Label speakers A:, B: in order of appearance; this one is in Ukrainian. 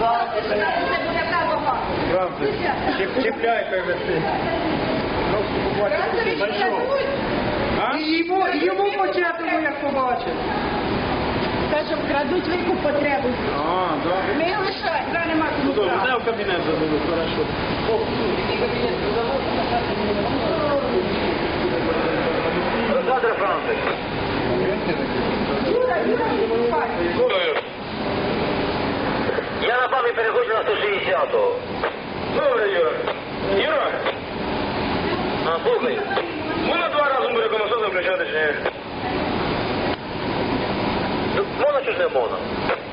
A: Правда. Чіпляй, хай висить. І йому початимо, як побачив.
B: Кажем, крадуть велику потребу.
A: А, добре.
B: Ми лишаємо, зараз нема
A: Ну,
B: кому
A: добре,
B: брати.
A: не в кабінет забуду, хорошо.
C: Олександр Францик.
B: Юра, вступай.
C: Я на пам'ять переходжу на 160-го.
D: Добре, Юра. Юра,
C: А, слухай.
D: можна 2 рази буде конусо заключати чи ні?
C: Ну, можна чи ж не можна?